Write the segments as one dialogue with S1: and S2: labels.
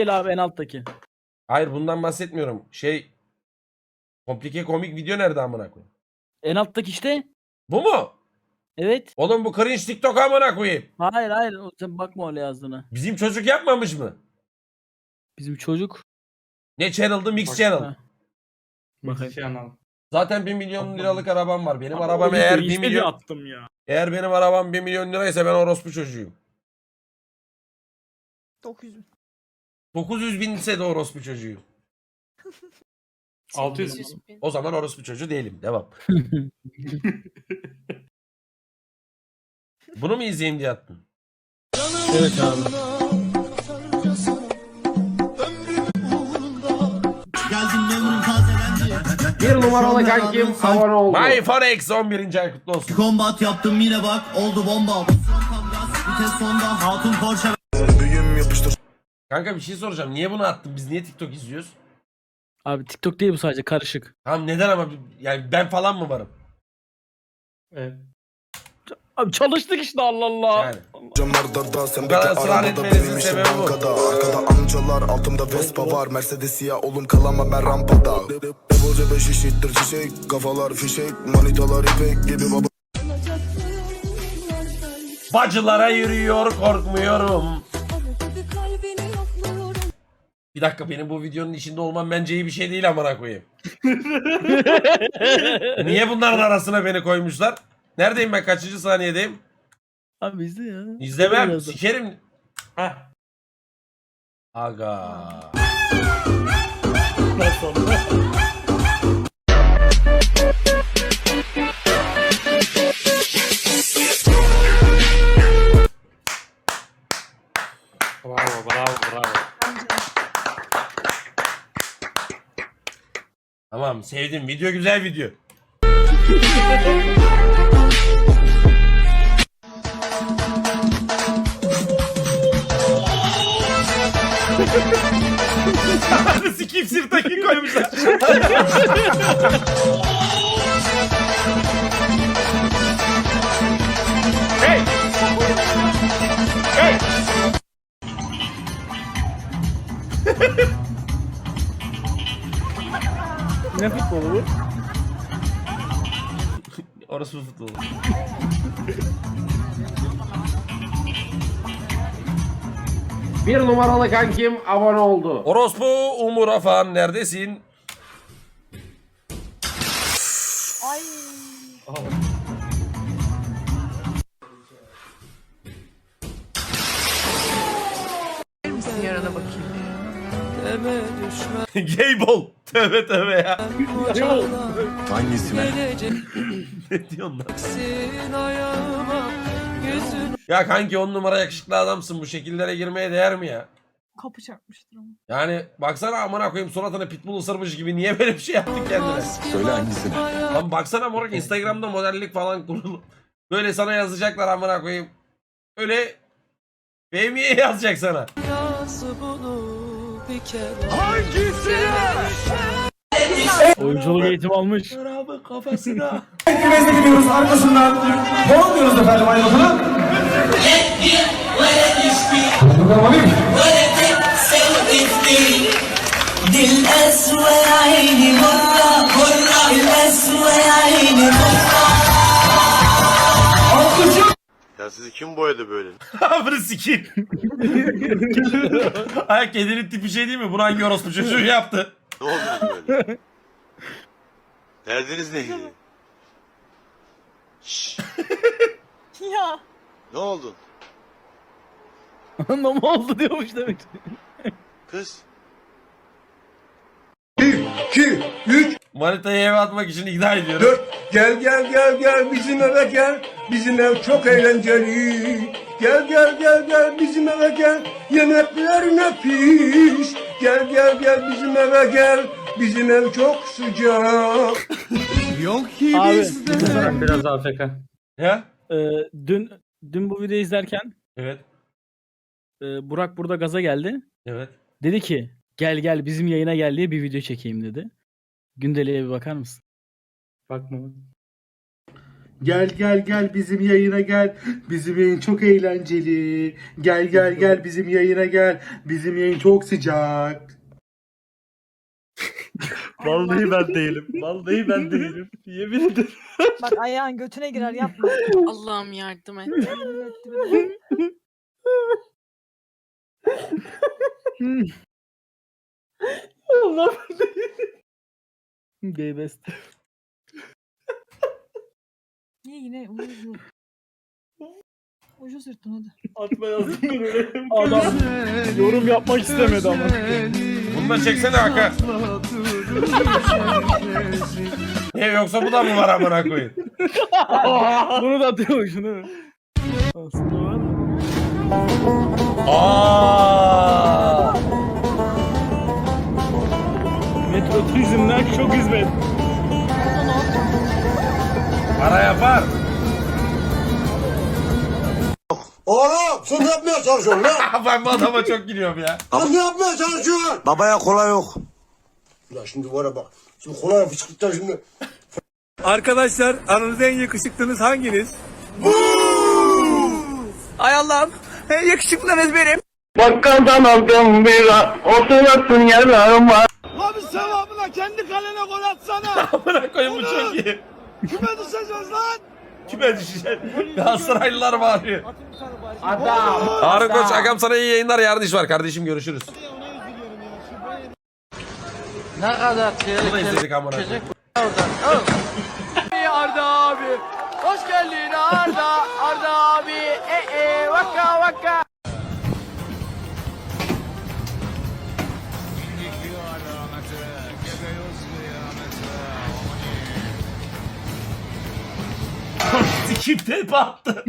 S1: Değil abi, en alttaki.
S2: Hayır bundan bahsetmiyorum. Komplike komik video nerede amına koyayım?
S1: En alttaki işte.
S2: Bu mu?
S1: Evet.
S2: Oğlum bu cringe TikTok amına koyayım.
S1: Hayır. Sen bakma öyle yazdığına.
S2: Bizim çocuk yapmamış mı?
S1: Bizim çocuk.
S2: Ne channel'dı? Mix Channel.
S1: Ha. Bakayım.
S2: Zaten 1 milyon liralık arabam var. Benim
S1: Abi,
S2: arabam
S1: o
S2: eğer
S1: videoyu
S2: 1
S1: işte
S2: milyon...
S1: attım ya.
S2: Eğer benim arabam 1 milyon liraysa ben orospu çocuğuyum.
S3: 900 bin.
S2: 900 bin ise de orospu çocuğuyum.
S4: 600
S3: bin.
S2: O zaman orospu çocuğu değilim. Devam. Bunu mu izleyeyim diye attın?
S1: Evet abi.
S5: Bir numaralı kankim abone oldu.
S2: My Forex 11. ay kutlu olsun.
S6: Kombat yaptım yine bak oldu bomba. Vites sonda hatun Porsche.
S2: Kanka bir şey soracağım. Niye bunu attın? Biz niye TikTok izliyoruz?
S1: Abi TikTok değil bu, sadece karışık.
S2: Tamam neden ama yani ben falan mı varım?
S4: Evet.
S1: Abi çalıştık işte, Allah Allah.
S2: Yani.
S7: Camlarda sen
S2: Bu kadar
S7: bekle
S2: ısrar
S7: arabada
S2: etmenizin
S7: benim işim
S2: sebebi bu.
S7: bankada. Arkada amcalar altımda Vespa var Mercedes siyah oğlum kalamam ben rampada. Devolca 5 işittir çiçek kafalar fişek manitalar ipek gibi baba.
S2: Bacılara yürüyor korkmuyorum. Bir dakika, benim bu videonun içinde olmam bence iyi bir şey değil amına koyayım. Niye bunların arasına beni koymuşlar? Neredeyim ben? Kaçıncı saniyedeyim?
S1: Abi izle ya.
S2: İzlemem.
S1: Birazdan.
S2: Sikerim.
S4: Heh.
S2: Aga.
S4: Bravo.
S2: Tamam, sevdim. Video güzel video. Sikip sırtaki koymuşlar. Hey! Hey!
S1: Ne futbolu bu?
S2: Orası bu futbol.
S5: Bir numaralı kankim abone oldu.
S2: Orospu Umur Afan neredesin?
S3: Ay. Misin yarana bakayım.
S2: Gaybol. Tövbe tövbe ya.
S7: Hangisine?
S2: Ne diyorsun lan? Ya kanki 10 numara yakışıklı adamsın. Bu şekillere girmeye değer mi ya?
S3: Kapı çarpmıştır ama.
S2: Yani baksana amına koyayım, suratına pitbull ısırmış gibi niye böyle bir şey yaptın kendine?
S7: Söyle hangisine?
S2: Lan baksana moruk, Instagram'da modellik falan kurulu. Böyle sana yazacaklar amına koyayım. Öyle BMW'ye yazacak sana.
S1: Oyunculuk eğitimi almış.
S2: Abi kafasına.
S5: Güvezle gidiyoruz arkasından. Bol diyoruz efendim ayrıntılı. Bakalım alayım.
S8: Ya sizi kim boyadı böyle?
S2: Abi sikeyim. Ay kedinin tipi şey değil mi? Bunu hangi orospu çocuğu yaptı?
S8: Ne oldunuz böyle? Derdiniz neydi? Şşş,
S3: Ya.
S8: ne oldun?
S1: Ne oldu diyormuş demek.
S8: Kız.
S9: 2, 3,
S2: Manitayı eve atmak için ikna ediyorum.
S9: 4. Gel bizim eve gel. Bizim ev çok eğlenceli. Gel bizim eve gel. Yemekler nefis. Gel bizim eve gel. Bizim ev çok sıcak.
S6: Yok ki
S1: Abi.
S6: bizde.
S4: Biraz AFK.
S2: Ya?
S1: Dün bu videoyu izlerken
S2: Evet.
S1: Burak burada gaza geldi.
S2: Evet.
S1: Dedi ki gel bizim yayına gel diye bir video çekeyim dedi. Gündeliğe bir bakar mısın?
S4: Bakma.
S5: Gel gel gel bizim yayına gel. Bizim yayın çok eğlenceli. Gel gel gel bizim yayına gel. Bizim yayın çok sıcak.
S1: Vallahi ben değilim. Vallahi ben değilim. Yemin ederim.
S3: Bak ayağın götüne girer yapma.
S10: Allah'ım yardım et.
S3: Yemin ettim.
S1: Allah ben değilim. Gay best.
S3: Niye yine ucuz? Ucuz yırttın hadi.
S1: Atma yazdım ben öyle. Adam yorum yapmak istemedi ama.
S2: Bunu da çeksene Hakan. Ne yoksa bu da mı var amına koyayım?
S1: Bunu da atıyormuşsun değil mi? Aslında var mı?
S2: Aa!
S1: Metro turizmden çok hizmet.
S2: Para yapar.
S9: Oğlum sen ne yapmaya çalışıyorsun lan?
S2: Ben bu adama çok gülüyorum ya.
S9: Sen ne yapmaya çalışıyorsun?
S8: Babaya kolay yok.
S9: Ya şimdi var ya bak. Şimdi kolay fışkırttan şimdi.
S5: Arkadaşlar aranızda en yakışıklınız hanginiz?
S6: Ay Allah'ım. En yakışıklınız benim.
S5: Bakkaldan aldım bira. Oturasın yarama.
S9: Abi sevabına kendi kalene gol atsana.
S2: Amına koyayım bu çok iyi.
S9: Kime düşeceğiz lan?
S2: Kime düşecek? Galatasaraylılar bağırıyor. Harun Koç, Agam sana iyi yayınlar. Yarın iş var kardeşim, görüşürüz.
S6: Ne kadar
S2: Bu da izledik amına koyayım.
S6: Arda abi. Hoş geldin Arda. Arda abi. Vaka vaka.
S2: Sikim tepe attı.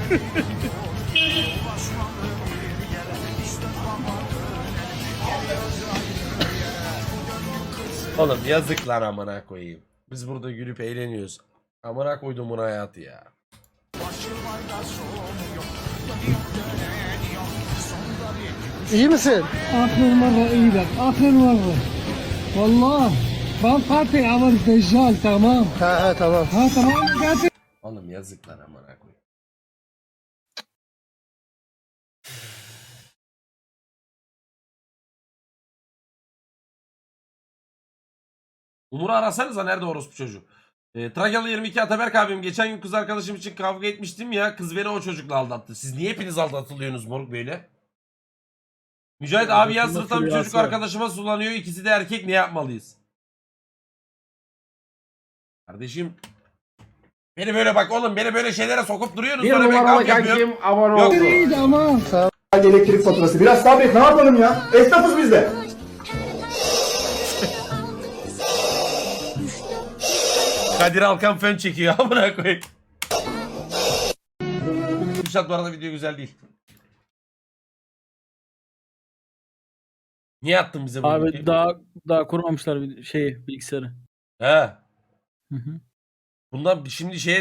S2: Oğlum yazık lan amına koyayım. Biz burada gülüp eğleniyoruz. Amına koydum buna hayatı ya.
S9: İyi misin?
S5: Aferin valla iyiler. Aferin valla. Valla. Ben parti alın dejal tamam.
S9: He tamam.
S5: Ha tamam gerçek.
S2: Oğlum yazık lan amına koyayım. Umur'u arasanıza, nerede orospu çocuğu? Trakyalı 22 Ataberk abim, geçen gün kız arkadaşım için kavga etmiştim ya, kız beni o çocukla aldattı. Siz niye hepiniz aldatılıyorsunuz moruk böyle? Mücahit abi yan sınıftan bir çocuk arkadaşıma sulanıyor, ikisi de erkek, ne yapmalıyız? Kardeşim beni böyle bak oğlum, beni böyle şeylere sokup duruyorsunuz, sonra ben kavga yapıyorum. Yok.
S5: İyi tamam.
S9: Elektrik faturası. Biraz sabret ne yapalım ya? Esnafız biz de.
S2: Kadir Alkan fön çekiyor amına koyayım. Kürşat, bu arada video güzel değil. Niye attın bize bunu?
S1: Abi daha kurmamışlar bilgisayarı.
S2: He.
S1: Hı hı.
S2: Bundan şimdi şeye